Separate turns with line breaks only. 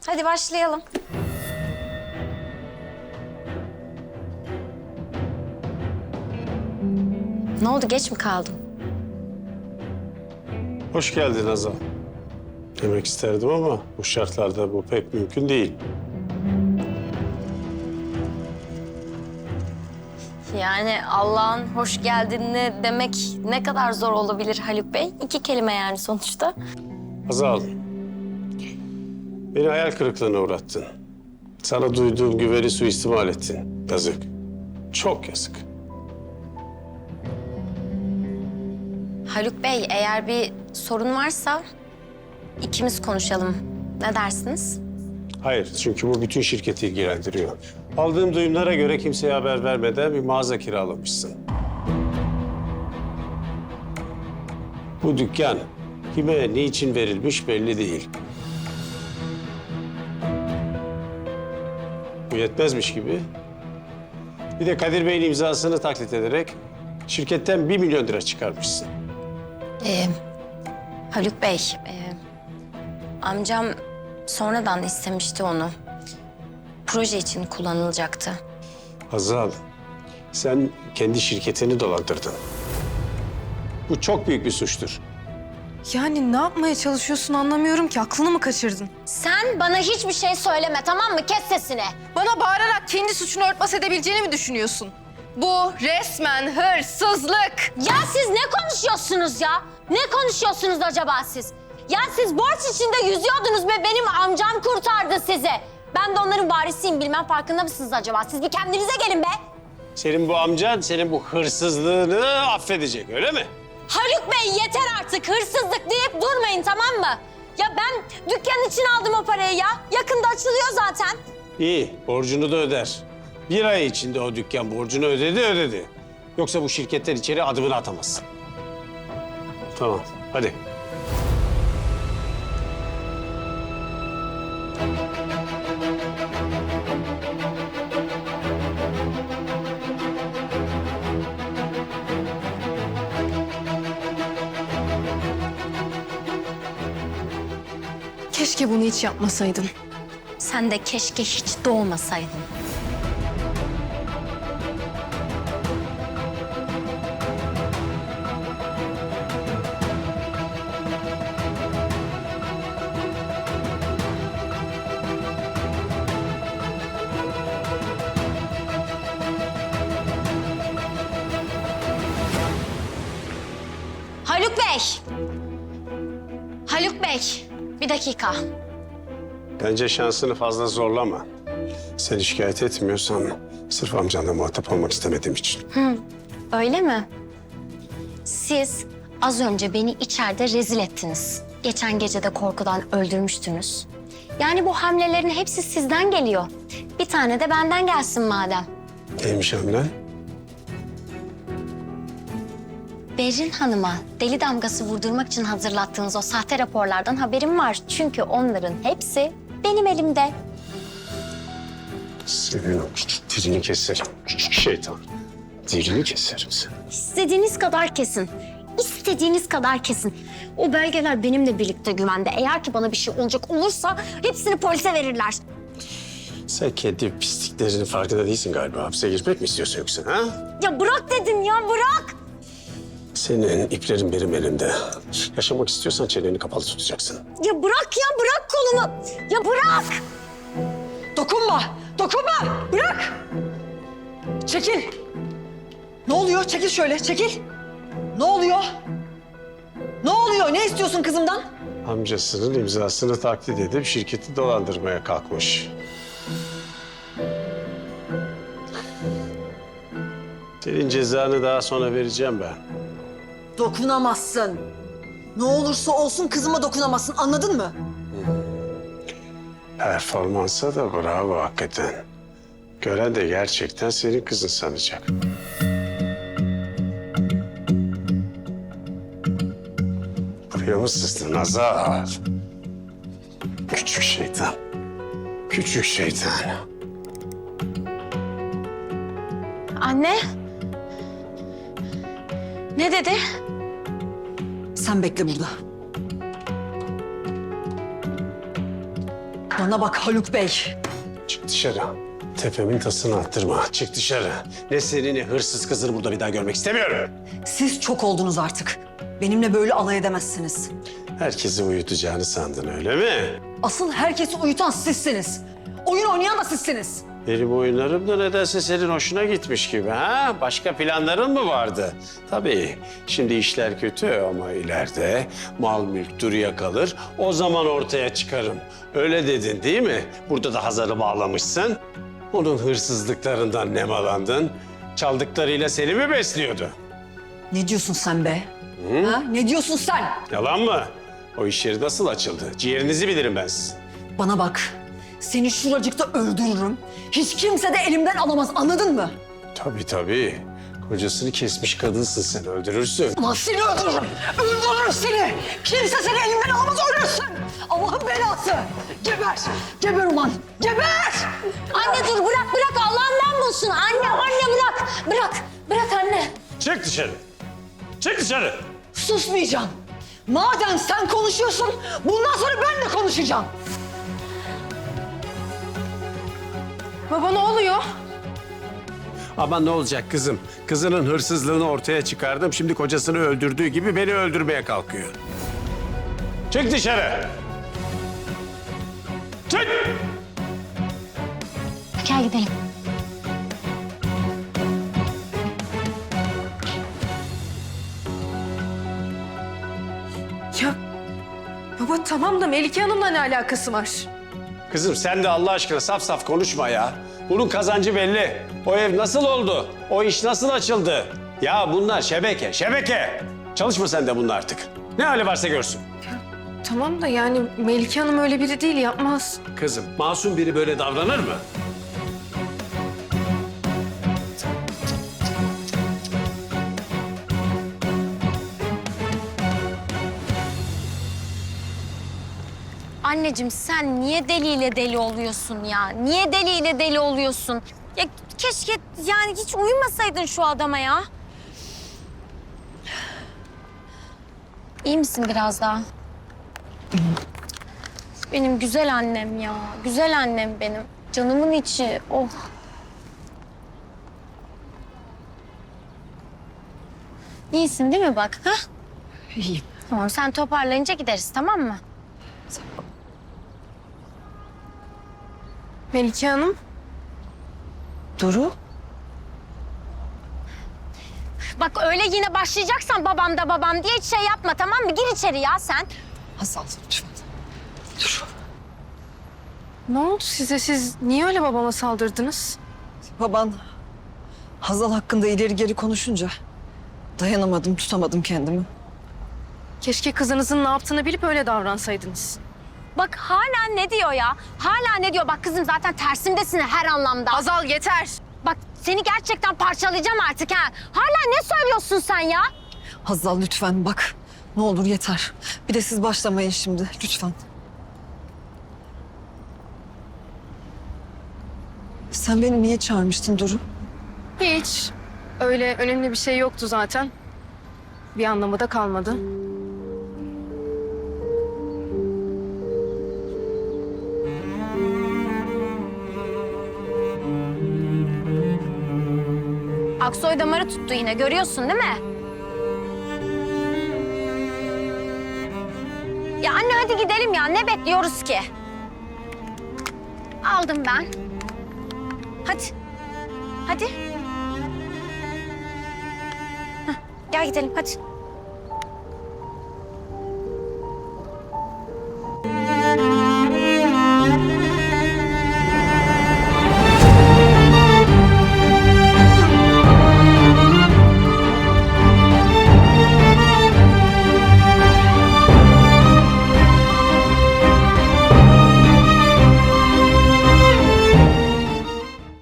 Hadi başlayalım. Ne oldu, geç mi kaldım?
Hoş geldin Azal. Demek isterdim ama bu şartlarda bu pek mümkün değil.
Yani Allah'ın hoş geldinini demek ne kadar zor olabilir Haluk Bey? 2 kelime yani sonuçta.
Azal, beni hayal kırıklığına uğrattın. Sana duyduğum güveni suistimal ettin. Yazık. Çok yazık.
Haluk Bey, eğer bir sorun varsa ikimiz konuşalım. Ne dersiniz?
Hayır, çünkü bu bütün şirketi ilgilendiriyor. Aldığım duyumlara göre kimseye haber vermeden bir mağaza kiralamışsın. Bu dükkan kime, niçin verilmiş belli değil. Bu yetmezmiş gibi. Bir de Kadir Bey'in imzasını taklit ederek şirketten 1 milyon lira çıkarmışsın.
Haluk Bey, amcam sonradan istemişti onu. Proje için kullanılacaktı.
Hazal, sen kendi şirketini dolandırdın. Bu çok büyük bir suçtur.
Yani ne yapmaya çalışıyorsun anlamıyorum ki. Aklını mı kaçırdın?
Sen bana hiçbir şey söyleme, tamam mı? Kes sesini.
Bana bağırarak kendi suçunu örtbas edebileceğini mi düşünüyorsun? Bu resmen hırsızlık.
Ya siz ne konuşuyorsunuz ya? Ne konuşuyorsunuz acaba siz? Ya siz borç içinde yüzüyordunuz ve benim amcam kurtardı sizi. Ben de onların varisiyim, bilmem farkında mısınız acaba? Siz bir kendinize gelin be.
Senin bu amcan senin bu hırsızlığını affedecek, öyle mi?
Haluk Bey, yeter artık, hırsızlık deyip durmayın, tamam mı? Ya ben dükkan için aldım o parayı ya. Yakında açılıyor zaten.
İyi, borcunu da öder. 1 ay içinde o dükkan borcunu ödedi. Yoksa bu şirketten içeri adımını atamazsın. Tamam, hadi.
Keşke bunu hiç yapmasaydın.
Sen de keşke hiç doğmasaydın. Haluk Bey! Haluk Bey, bir dakika.
Bence şansını fazla zorlama. Sen şikayet etmiyorsan sırf amcanla muhatap olmak istemediğim için.
Öyle mi? Siz az önce beni içeride rezil ettiniz. Geçen gece de korkudan öldürmüştünüz. Yani bu hamlelerin hepsi sizden geliyor. Bir tane de benden gelsin madem.
Neymiş hamle?
Berrin Hanım'a deli damgası vurdurmak için hazırlattığınız o sahte raporlardan haberim var. Çünkü onların hepsi benim elimde.
Senin o küçük dilini keserim. Küçük şeytan. Dilini keserim seni.
İstediğiniz kadar kesin. İstediğiniz kadar kesin. O belgeler benimle birlikte güvende. Eğer ki bana bir şey olacak olursa hepsini polise verirler.
Sen kendi pisliklerinin farkında değilsin galiba. Hapse girmek mi istiyorsun yoksa ha?
Ya bırak dedim ya, bırak.
Senin iplerin benim elimde. Yaşamak istiyorsan çeneni kapalı tutacaksın.
Ya bırak ya, bırak kolumu. Ya bırak.
Dokunma! Dokunma! Bırak! Çekil! Ne oluyor? Çekil şöyle, çekil! Ne oluyor? Ne oluyor? Ne istiyorsun kızımdan?
Amcasının imzasını taklit edip şirketi dolandırmaya kalkmış. Senin cezanı daha sonra vereceğim ben.
Dokunamazsın. Ne olursa olsun kızıma dokunamazsın, anladın mı?
Performansa da bravo hakikaten. Gören de gerçekten senin kızın sanacak. Buraya mı sızdın Azar? Küçük şeytan. Küçük şeytan.
Anne. Ne dedi?
Sen bekle burada. Bana bak Haluk Bey.
Çık dışarı. Tepemin tasını attırma. Çık dışarı. Ne seni ne hırsız kızını burada bir daha görmek istemiyorum.
Siz çok oldunuz artık. Benimle böyle alay edemezsiniz.
Herkesi uyutacağını sandın öyle mi?
Asıl herkesi uyutan sizsiniz. Oyun oynayan da sizsiniz.
Benim oyunlarım da nedense senin hoşuna gitmiş gibi ha? Başka planların mı vardı? Tabii şimdi işler kötü ama ileride mal mülk duruya kalır. O zaman ortaya çıkarım. Öyle dedin değil mi? Burada da Hazar'ı bağlamışsın. Onun hırsızlıklarından nemalandın. Çaldıklarıyla seni mi besliyordu?
Ne diyorsun sen be? Ha? Ne diyorsun sen?
Yalan mı? O iş yeri nasıl açıldı? Ciğerinizi bilirim ben sizin.
Bana bak. Seni şuracıkta öldürürüm. Hiç kimse de elimden alamaz, anladın mı?
Tabii tabii. Kocasını kesmiş kadınsın sen, öldürürsün.
Ama seni öldürürüm. Öldürürüm seni. Kimse seni elimden alamaz, ölürsün. Allah'ın belası. Geber. Geber ulan. Geber.
Anne dur bırak Allah'ından bulsun. Anne bırak. Bırak anne.
Çık dışarı. Çık dışarı.
Susmayacağım. Madem sen konuşuyorsun, bundan sonra ben de konuşacağım.
Baba ne oluyor?
Ama ne olacak kızım? Kızının hırsızlığını ortaya çıkardım. Şimdi kocasını öldürdüğü gibi beni öldürmeye kalkıyor. Çık dışarı. Çık.
Gel gidelim.
Ya baba tamam da Melike Hanım'la ne alakası var?
Kızım sen de Allah aşkına saf saf konuşma ya. Bunun kazancı belli. O ev nasıl oldu? O iş nasıl açıldı? Ya bunlar şebeke. Çalışma sen de bununla artık. Ne hali varsa görsün.
Tamam da yani Melike Hanım öyle biri değil, yapmaz.
Kızım, masum biri böyle davranır mı?
Anneciğim sen niye deliyle deli oluyorsun ya? Niye deliyle deli oluyorsun? Ya keşke yani hiç uyumasaydın şu adama ya. İyi misin biraz daha? Benim güzel annem ya. Güzel annem benim. Canımın içi. Oh. İyisin değil mi bak? Ha?
İyiyim.
Tamam sen toparlayınca gideriz tamam mı?
Melike Hanım?
Duru.
Bak öyle yine başlayacaksan babam diye hiç şey yapma tamam mı? Gir içeri ya sen.
Hazal lütfen. Duru.
Ne oldu size? Siz niye öyle babama saldırdınız?
Baban Hazal hakkında ileri geri konuşunca dayanamadım, tutamadım kendimi.
Keşke kızınızın ne yaptığını bilip öyle davransaydınız.
Bak hala ne diyor ya? Hala ne diyor? Bak kızım zaten tersimdesin her anlamda.
Azal yeter.
Bak seni gerçekten parçalayacağım artık ha. Hala ne söylüyorsun sen ya?
Hazal lütfen bak. Ne olur yeter. Bir de siz başlamayın şimdi lütfen. Sen beni niye çağırmıştın Duru?
Hiç. Öyle önemli bir şey yoktu zaten. Bir anlamı da kalmadı.
Aksoy damarı tuttu yine görüyorsun değil mi? Ya anne hadi gidelim ya. Ne bekliyoruz ki? Aldım ben. Hadi. Hadi. Hah, gel gidelim hadi.